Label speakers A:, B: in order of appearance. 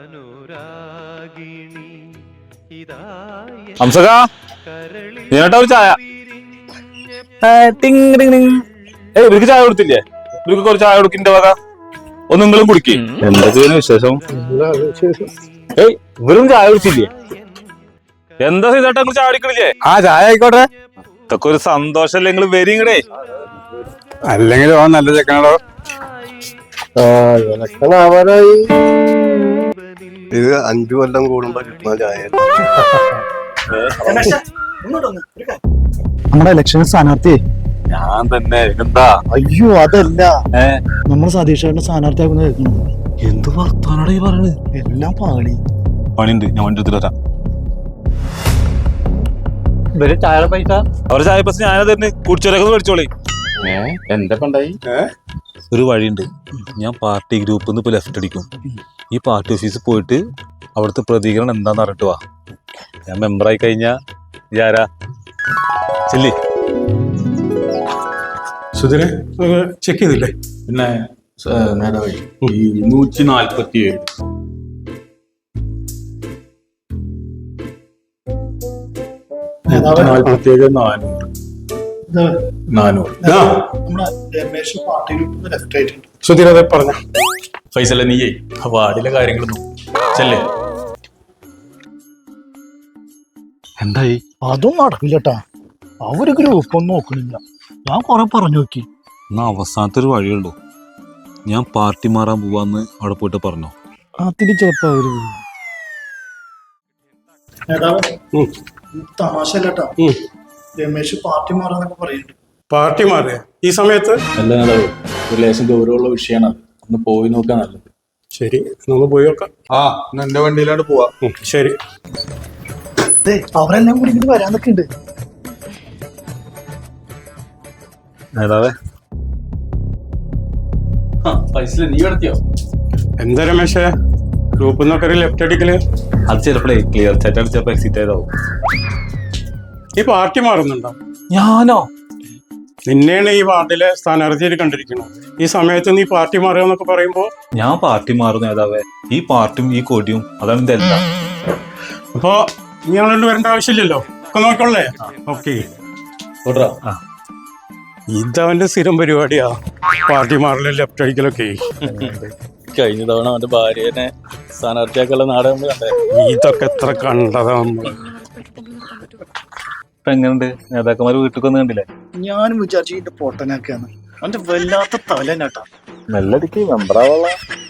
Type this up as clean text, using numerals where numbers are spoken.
A: ഹംസക നീട്ടാ ഒരു ചായ. ഇവർക്ക് ചായ കൊടുത്തില്ലേ? ഇവർക്ക് കുറച്ച് ചായ കൊടുക്കിന്റെ വക ഒന്ന് നിങ്ങളും കുടിക്കേ. എന്തൊക്കെയാണ് വിശേഷം? ഇവരും ചായ കുടിച്ചില്ലേ? എന്താ ചെയ്തേട്ടാ നിങ്ങൾ ചായ കുടിക്കണില്ലേ?
B: ആ ചായ ആയിക്കോട്ടെ.
A: ഇതൊക്കെ ഒരു സന്തോഷല്ലേ? നിങ്ങൾ വരിങ്ങടേ.
B: അല്ലെങ്കിൽ ഓ നല്ല ചെക്കനാടോ.
C: ഇത് 5 കൊല്ലം കൂടുമ്പോ കിട്ടുന്ന ചായ.
D: നമ്മുടെ ഇലക്ഷൻ സ്ഥാനാർത്ഥി
A: ഞാൻ തന്നെ. എന്താ?
D: അയ്യോ അതല്ല, നമ്മൾ സതീഷേട്ടന്റെ സ്ഥാനാർത്ഥിയാക്കുന്ന കേൾക്കുന്നത്.
A: എന്ത് വർത്താനാണ് ഈ പറയണത്?
D: എല്ലാം പാളി.
A: പണിയുണ്ട്, ഞാൻ വണ്ടി എടുത്തിട്ട് വരാം.
D: ഇവര് ചായ പൈസ
A: അവരുടെ ചായ പൈസ ഞാനത് തന്നെ കുടിച്ചോരൊക്കെ മേടിച്ചോളി.
B: എന്താ ഉണ്ടായി?
A: ഒരു വഴിയുണ്ട്. ഞാൻ പാർട്ടി ഗ്രൂപ്പിൽ നിന്ന് ഇപ്പൊ ലെഫ്റ്റ് അടിക്കും. ഈ പാർട്ടി ഓഫീസിൽ പോയിട്ട് അവിടുത്തെ പ്രതികരണം എന്താന്ന് അറിഞ്ഞിട്ട് വാ. ഞാൻ മെമ്പറായി കഴിഞ്ഞാ ഇതാരാ ചെല്ലി.
E: സുധീരെ ചെക്ക് ചെയ്തില്ലേ?
B: പിന്നെ നേതാവേ, ഈ 147
E: സുധീര അതെ പറഞ്ഞ
B: ഫൈസല നീയേ വാർഡിലെ കാര്യങ്ങളൊന്നും ചെല്ലേ.
A: എന്തായി?
D: അതും നടക്കില്ലട്ടാ. അവര് ഗ്രൂപ്പ് ഒന്നും നോക്കണില്ല. ഞാൻ കൊറേ പറഞ്ഞു നോക്കി.
A: എന്നാ അവസാനത്തെ ഒരു വഴിയുള്ളൂ. ഞാൻ പാർട്ടി മാറാൻ പോവാന്ന് അവിടെ പോയിട്ട് പറഞ്ഞോ.
D: അതില് ചിലപ്പോ അവര് തമാശല്ലട്ടാ. രമേശ് പാർട്ടി മാറാന്നൊക്കെ പറയുന്നുണ്ട്.
E: പാർട്ടി മാറിയ ഈ സമയത്ത്
B: അല്ല നേതാവ്, ഒരു ലേശം ഗൗരവമുള്ള വിഷയമാണ്. ഒന്ന് പോയി നോക്കാൻ നല്ലത്.
E: ശരി, നമുക്ക് പോയി നോക്കാം.
C: എന്റെ വണ്ടിയിലോട്ട് പോവാ.
E: ശരി,
D: അവരെല്ലാം കൂടി ഇങ്ങനെ വരാന്നൊക്കെ ഉണ്ട്.
A: നേതാവേ,
B: ഫൈസല നീ നടത്തിയോ?
E: എന്താ രമേശേ ഗ്രൂപ്പിൽ നിന്നൊക്കെ ഒരു ലെഫ്റ്റ് അടിക്കല്?
A: അത് ചിലപ്പോഴേ ക്ലിയർ ചാറ്റ് അടിച്ചപ്പോ എക്സിറ്റ് ആയതാവും.
E: ഈ പാർട്ടി മാറുന്നുണ്ടോ?
A: ഞാനോ?
E: നിന്നെയാണ് ഈ വാർഡിലെ സ്ഥാനാർത്ഥിയിൽ കണ്ടിരിക്കണം. ഈ സമയത്ത് നീ പാർട്ടി മാറുക എന്നൊക്കെ പറയുമ്പോ
A: ഞാൻ പാർട്ടി മാറും നേതാവേ. ഈ പാർട്ടിയും ഈ കൊടിയും അതാണ് എന്റെ എല്ലാം.
E: അപ്പൊ നീ അങ്ങോട്ട് വരേണ്ട ആവശ്യമില്ലല്ലോ. ഒക്കെ നോക്കണല്ലേ? ഓക്കെ. ഇതവന്റെ സ്ഥിരം പരിപാടിയാ, പാർട്ടി മാറലും ലെഫ്റ്റ് അടിക്കലൊക്കെ.
B: കഴിഞ്ഞ തവണ അവന്റെ ഭാര്യനെ സ്ഥാനാർത്ഥിയാക്കുള്ള നാടകം നമ്മൾ കണ്ടേ.
E: ഇതൊക്കെ എത്ര കണ്ടതാ നമ്മള്.
A: ഇപ്പൊ എങ്ങനെയുണ്ട്? നേതാക്കന്മാര് വീട്ടിൽ വന്ന് കണ്ടില്ലേ?
D: ഞാനും വിചാരിച്ചു ഇതിന്റെ പൊട്ടനൊക്കെയാണ്. അവന്റെ വല്ലാത്ത തലനാട്ടാ.
A: മെല്ലടിക്ക് മെമ്പറാവുള്ള